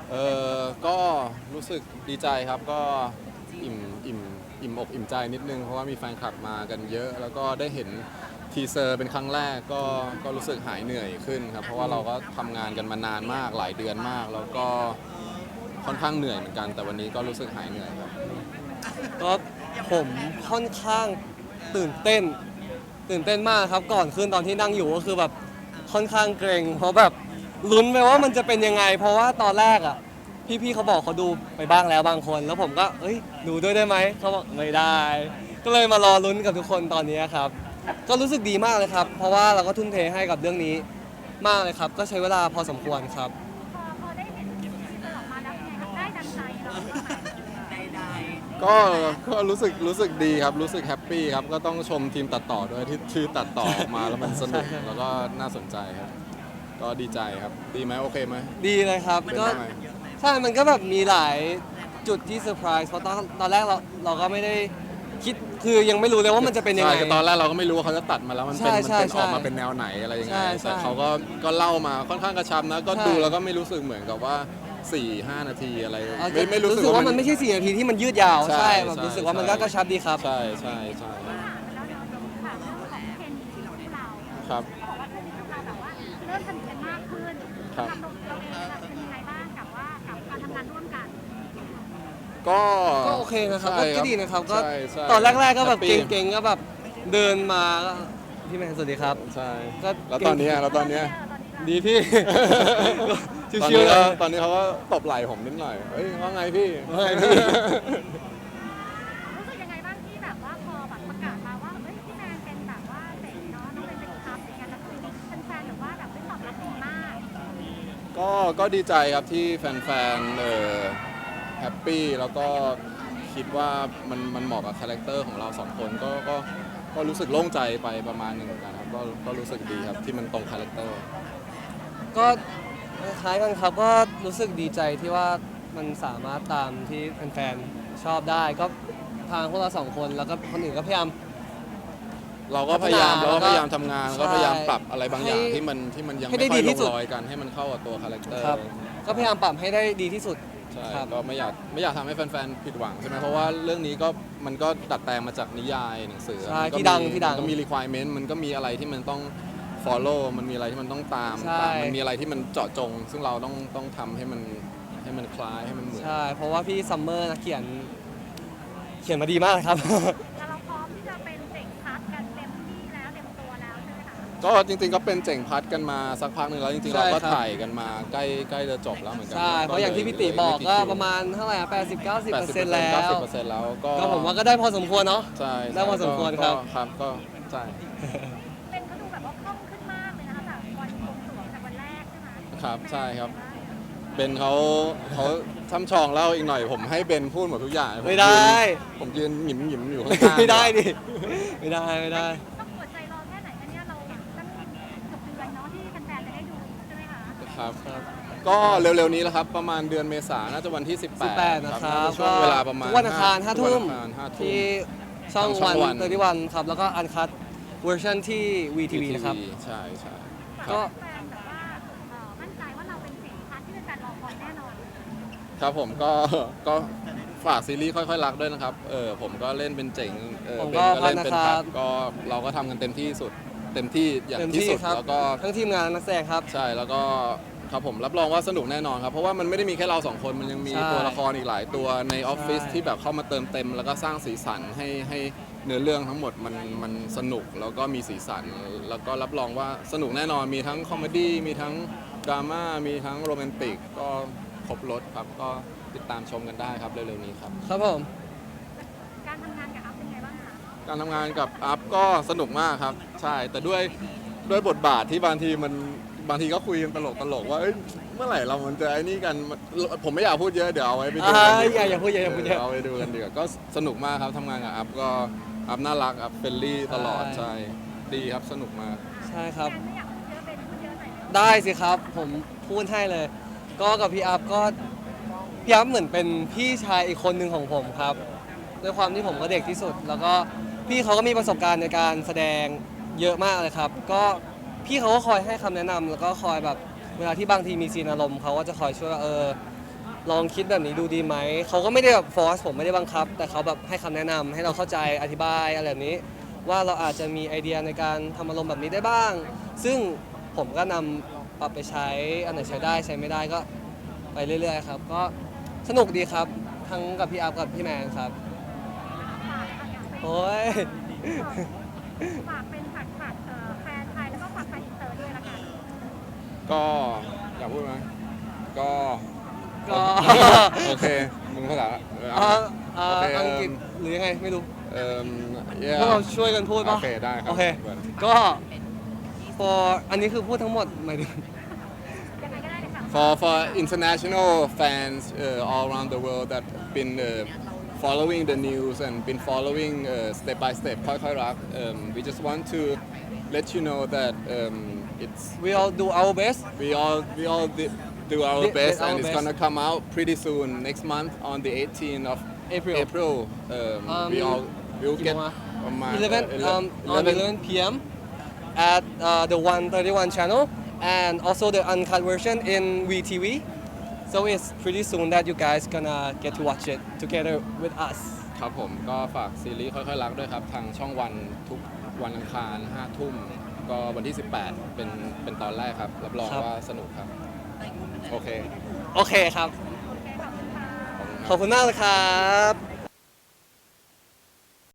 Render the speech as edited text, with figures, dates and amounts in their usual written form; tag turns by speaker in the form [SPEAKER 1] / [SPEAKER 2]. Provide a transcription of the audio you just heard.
[SPEAKER 1] ก็รู้สึกดีใจครับก็อิ่มอิ่มอิ่มอกอิ่มใจนิดนึงเพราะว่ามีแฟนคลับมากันเยอะแล้วก็ได้เห็นทีเซอร์เป็นครั้งแรกก็รู้สึกหายเหนื่อยขึ้นครับเพราะว่าเราก็ทำงานกันมานานมากหลายเดือนมากแล้วก็ค่อนข้างเหนื่อยเหมือนกันแต่วันนี้ก็รู้สึกหายเหนื่อยครับ
[SPEAKER 2] ก็ผมค่อนข้างตื่นเต้นตื่นเต้นมากครับก่อนขึ้นตอนที่นั่งอยู่ก็คือแบบค่อนข้างเกรงเพราะแบบลุ้นไปว่ามันจะเป็นยังไงเพราะว่าตอนแรกอ่ะพี่ๆเขาบอกเขาดูไปบ้างแล้วบางคนแล้วผมก็เอ้ยดูด้วยได้ไหมเขาบอกไม่ได้ก็เลยมารอลุ้นกับทุกคนตอนนี้ครับก็รู้สึกดีมากเลยครับเพราะว่าเราก็ทุ่มเทให้กับเรื่องนี้มากเลยครับก็ใช้เวลาพอสมควรครับ
[SPEAKER 3] พอได้เห็นที่มันออกมาแล้วเป็นไงครับได้ดังใจเรา
[SPEAKER 1] ก็ก็รู้สึกดีครับรู้สึกแฮปปี้ครับก็ต้องชมทีมตัดต่อด้วยที่ตัดต่อออกมาแล้วมันสนุกแล้วก็น่าสนใจครับก็ดีใจครับดีไหมโอเคไหม
[SPEAKER 2] ดีเลยครับ
[SPEAKER 1] เป็น
[SPEAKER 2] ก็
[SPEAKER 1] ยังไง
[SPEAKER 2] ใช่มันก็แบบมีหลายจุดที่เซอร์ไพรส์เพราะตอนแรกเราก็ไม่ได้คิดคือยังไม่รู้เลยว่ามันจะเป็นยังไง
[SPEAKER 1] ใช่ตอนแรกเราก็ไม่รู้ว่าเขาจะตัดมาแล้วมันเป็น
[SPEAKER 2] ใช่
[SPEAKER 1] ออกมาเป็นแนวไหนอะไรยังไง
[SPEAKER 2] ใช่
[SPEAKER 1] แต่เขาก็เล่ามาค่อนข้างกระชับนะก็ดูแล้วก็ไม่รู้สึกเหมือนกับว่า 4-5 นาทีอะไรไม่รู้สึก
[SPEAKER 2] ว่า
[SPEAKER 1] ว่า
[SPEAKER 2] มันไม่ใช่4 นาทีที่มันยืดยาว
[SPEAKER 1] ใช่
[SPEAKER 2] ใช่แบบรู้สึกว่ามันก็กระชับดีครับ
[SPEAKER 1] ใช่
[SPEAKER 3] แล้วเดี๋ยวถามเรื่องของเคนที่เรา
[SPEAKER 1] ครับ
[SPEAKER 3] บอกว่าเคนที่เราแบบว่าเริ่มสนิทกันมากขึ้น
[SPEAKER 1] ครับ
[SPEAKER 3] เราเองเป็นยังไงบ้างกับการทำงานร่วมกัน
[SPEAKER 2] ก็โอเคนะครับก็ดีนะครับก็
[SPEAKER 1] ใช่
[SPEAKER 2] ตอนแรกๆก็แบบ
[SPEAKER 1] แฮปปี้
[SPEAKER 2] เก่งๆก็แบบเดินมาก็พี่แมนสวัสดีครับ
[SPEAKER 1] ใช่
[SPEAKER 2] ก็
[SPEAKER 1] แล้วตอนนี้
[SPEAKER 2] ดีพี่
[SPEAKER 1] ตอน
[SPEAKER 2] ชิว
[SPEAKER 1] นี้
[SPEAKER 2] ๆเลย
[SPEAKER 1] ตอนนี้เขาก็ตบไหล่ผมนิดหน่อยเฮ้ยว่าไงพี่
[SPEAKER 2] ว่าไงพี่
[SPEAKER 3] รู้สึกยังไงบ้างที่แบบว่าพอแบบประกาศมาว่าเฮ้ยพี่แมนเป็นแบบว่าเด็กเนาะน้องเป็นครับอย่างเงี้ยแล้วคือแฟนๆหรือว่าแบบตอบรับดีมาก
[SPEAKER 1] ก็ดีใจครับที่แฟนๆแฮปปี้แล้วก็คิดว่ามันเหมาะกับคาแรคเตอร์ของเราสองคนก็รู้สึกโล่งใจไปประมาณหนึ่งเหมือนกันครับก็รู้สึกดีครับที่มันตรงคาแรคเตอร์
[SPEAKER 2] ก็คล้ายกันครับก็รู้สึกดีใจที่ว่ามันสามารถตามที่แฟนๆชอบได้ก็ทางพวกเราสองคนแล้วก็คนอื่นก็พยายาม
[SPEAKER 1] เราก็พยายามทำงาน
[SPEAKER 2] ใช่
[SPEAKER 1] ก็พยายามปรับอะไรบางอย่าง
[SPEAKER 2] ให้
[SPEAKER 1] ที่มันยัง
[SPEAKER 2] ให้
[SPEAKER 1] ไม่
[SPEAKER 2] ได้
[SPEAKER 1] ค่อย
[SPEAKER 2] ดี
[SPEAKER 1] ล
[SPEAKER 2] ที่
[SPEAKER 1] ง
[SPEAKER 2] สุด
[SPEAKER 1] รอยกันให้มันเข้ากับตัวคาแรคเตอร์
[SPEAKER 2] ครับก็พยายามปรับให้ได้ดีที่สุด
[SPEAKER 1] ใช่
[SPEAKER 2] ครับ
[SPEAKER 1] ก็ไม่อยากทำให้แฟนๆผิดหวังใช่ไหมเพราะว่าเรื่องนี้มันก็ดัดแปลงมาจากนิยายหนังสือ
[SPEAKER 2] ใช่
[SPEAKER 1] มันก็
[SPEAKER 2] ที่ดัง
[SPEAKER 1] มันก็มี requirement มันก็มีอะไรที่มันต้อง follow มันมีอะไรที่มันต้องตาม
[SPEAKER 2] ใช่
[SPEAKER 1] มันมีอะไรที่มันเจาะจง ซึ่งเราต้องทำให้มันคล้ายให้มันเหมือน
[SPEAKER 2] ใช่เพราะว่าพี่ซัมเมอร์นักเขียนมาดีมากเลยครับ
[SPEAKER 3] แล้วเราพร้อมที่จะเป็นเด็กพักกันเต็มที่แล้วเต็มตัวแล้วใช่ไหมคะ
[SPEAKER 1] ก็จริงๆก็เป็นเจ๋งพัดกันมาสักพักหนึ่งแล้วจริงๆ
[SPEAKER 2] ใช่
[SPEAKER 1] เราก็
[SPEAKER 2] ครับ
[SPEAKER 1] ถ่ายกันมาใกล้จะจบแล้วเหมือนกั
[SPEAKER 2] ใช่เพราะอย่างที่พี่ติบอกก็ประมาณเท่าไหร่80-90%แล้ว
[SPEAKER 1] 90%แล้วก็
[SPEAKER 2] ก็ผมว่าก็ได้พอสมควรเนาะ
[SPEAKER 1] ใช่
[SPEAKER 2] ได้พอสมควรครับ
[SPEAKER 1] ครับก็ใช่
[SPEAKER 3] เป็นเขาดูแบบว่าคล่องขึ้นมากเลยนะคะจากวันบวงสรวงจากวันแรกใช่ไหม
[SPEAKER 1] ครับใช่ครับเบนเขาช่ำชองเล่าอีกหน่อยผมให้เบนพูดหมดทุกอย่าง
[SPEAKER 2] ไม่ได้
[SPEAKER 1] ผมยืนหยิมอยู่ข้างๆ
[SPEAKER 2] ไม่ได้ดิไม่ได้
[SPEAKER 3] ต้องอดใจรอแค่ไหนคะเนี่ยเราตั้งเกือบเดือนเนาะที่แฟนๆจะได้ดูใช่ไหมคะ
[SPEAKER 1] ครับ
[SPEAKER 2] ครับ
[SPEAKER 1] ก็เร็วๆนี้แหละครับประมาณเดือนเมษายนน่าจะวันที่
[SPEAKER 2] 18
[SPEAKER 1] 18
[SPEAKER 2] นะครับ
[SPEAKER 1] ช่วงเวลาประมาณ
[SPEAKER 2] ทุกวันอังคาร5 ทุ่ม
[SPEAKER 1] ทุกวันอังคาร5 ทุ่ม
[SPEAKER 2] ที่ช่อง
[SPEAKER 1] ทางช่อง
[SPEAKER 2] วัน
[SPEAKER 1] วัน
[SPEAKER 2] 31ครับแล้วก็อันคัตเวอร์ชันที่ VTV นะครับ
[SPEAKER 1] ใช่ค
[SPEAKER 2] ก็
[SPEAKER 1] รับ
[SPEAKER 3] แฟนแบบว่ามั่นใจว่าเราเป็นเสียงพัดที่แฟนๆรอคอยแน่นอน
[SPEAKER 1] ครับผมก็ฝากซีรีส์ค่อยๆรักด้วยนะครับผมก็เล่นเป็นเจ๋ง
[SPEAKER 2] ผม
[SPEAKER 1] เบ
[SPEAKER 2] ก็
[SPEAKER 1] นก็เล่นเป็น
[SPEAKER 2] พั
[SPEAKER 1] พั
[SPEAKER 2] ด
[SPEAKER 1] ด
[SPEAKER 2] นะครับ
[SPEAKER 1] ก็เราก็ทำกันเต็มที่สุดเต็มที่อย่างที่สุด
[SPEAKER 2] ครับ
[SPEAKER 1] แล้วก็
[SPEAKER 2] ทั้งทีมงานนักแสดงครับ
[SPEAKER 1] ใช่แล้วก็ครับผมรับรองว่าสนุกแน่นอนครับเพราะว่ามันไม่ได้มีแค่เราสองคนมันยังมี
[SPEAKER 2] ใช่
[SPEAKER 1] ตัวละครอีกหลายตัวในออฟฟิศ
[SPEAKER 2] ใช่
[SPEAKER 1] ที่แบบเข้ามาเติมเต็ม แล้วก็สร้างสีสันให้เนื้อเรื่องทั้งหมดมันสนุกแล้วก็มีสีสัน แล้วก็รับรองว่าสนุกแน่นอนมีทั้งคอมเมดี้มีทั้งดราม่ามีทั้งโรแมนติกก็ครบรถครับก็ติดตามชมกันได้ครับเร็วๆนี้ครับ
[SPEAKER 2] ครับผม
[SPEAKER 3] การทำงานกับอัพเป็นไงบ้างคะ
[SPEAKER 1] การทำงานกับอัพก็สนุกมากครับใช่แต่ด้วยบทบาทที่บางทีก็คุยกันตลกว่าเอ้ยเมื่อไหร่เรามันจะไอ้นี่กันผมไม่อยากพูดเยอะเดี๋ยวเอาไว้ไปดูกันดีกว่า
[SPEAKER 2] อย่าพูดเยอะอย่าพูดเยอะ
[SPEAKER 1] เอาไปดูกันดีกว่าก็สนุกมากครับทำงานกับอัพก็อัพน่ารักอัพเฟรนลี่ตลอด
[SPEAKER 2] ใช่
[SPEAKER 1] ใช่ดีครับสนุกมาก
[SPEAKER 2] ใช่ครับ
[SPEAKER 3] แฟนไม่อยากพูดเยอะเป็นพูดเยอะหน่อยนะ
[SPEAKER 2] ได้สิครับผมพูดให้เลย ก็กับพี่อัพก็พี่อัพเหมือนเป็นพี่ชายอีกคนหนึ่งของผมครับด้วยความที่ผมก็เด็กที่สุด แล้วก็พี่เขาก็มีประสบการณ์ในการแสดงเยอะมากเลยครับ ก็พี่เขาก็คอยให้คำแนะนำแล้วก็คอยแบบเวลาที่บางทีมีซีนอารมณ์เขาก็จะคอยช่วยว่าลองคิดแบบนี้ดูดีไหมเขาก็ไม่ได้แบบฟอร์สผมไม่ได้บังคับ แต่เขาแบบให้คำแนะนำให้เราเข้าใจอธิบายอะไรแบบนี้ ว่าเราอาจจะมีไอเดียในการทำอารมณ์แบบนี้ได้บ้าง ซึ่งผมก็นำปรับไปใช้อันไหนใช้ได้ใช้ไม่ได้ก็ไปเรื่อยๆครับก็สนุกดีครับทั้งกับพี่อัพกับพี่แมนครับ
[SPEAKER 3] ฝากอยากให้
[SPEAKER 2] โอ้ย
[SPEAKER 3] ฝากเป็นฝากแฟนไทยแล้วก็ฝากแฟนอินเตอร์ด้วยละกัน
[SPEAKER 1] ก็อยากพูดไหมก็
[SPEAKER 2] ก็
[SPEAKER 1] โอเคมึงภาษา โอเค
[SPEAKER 2] อังกฤษหรือยังไงไม่รู้
[SPEAKER 1] yeah
[SPEAKER 2] พวกเราช่วยกันพูดป่ะ
[SPEAKER 1] โอเคได้ครับ
[SPEAKER 2] โอเค ก็ for อันนี้คือพูดทั้งหมดหมายถึง
[SPEAKER 3] ยังไงก็ได้เลยค่ะ
[SPEAKER 1] for international fans all around the world that been following the news and been following step by step ค่อยๆรัก we just want to let you know that it's
[SPEAKER 2] we all do our best
[SPEAKER 1] we all do our
[SPEAKER 2] Did
[SPEAKER 1] best
[SPEAKER 2] our
[SPEAKER 1] and it's
[SPEAKER 2] best.
[SPEAKER 1] gonna come out pretty soon next month on the 18th of
[SPEAKER 2] April.
[SPEAKER 1] We all will
[SPEAKER 2] กี่
[SPEAKER 1] get
[SPEAKER 2] โมงอะ
[SPEAKER 1] ประมาณ
[SPEAKER 2] 11 on 11 p.m. at the 131 channel and also the uncut version in VTV. So it's pretty soon that you guys gonna get to watch it together with us.
[SPEAKER 1] ครับผมก็ฝากซีรีส์ค่อยๆรักด้วยครับ ทางช่องวันทุกวันอังคาร5 ทุ่ม ก็วันที่ 18 เป็นตอนแรกครับ รับรอง
[SPEAKER 2] ครับ
[SPEAKER 1] ว่าสนุกครับ โอเค
[SPEAKER 2] โอเคครับ
[SPEAKER 3] โอเคขอบคุณค่ะ
[SPEAKER 1] ขอบคุณครับ
[SPEAKER 2] ขอบคุณมากเลยครับ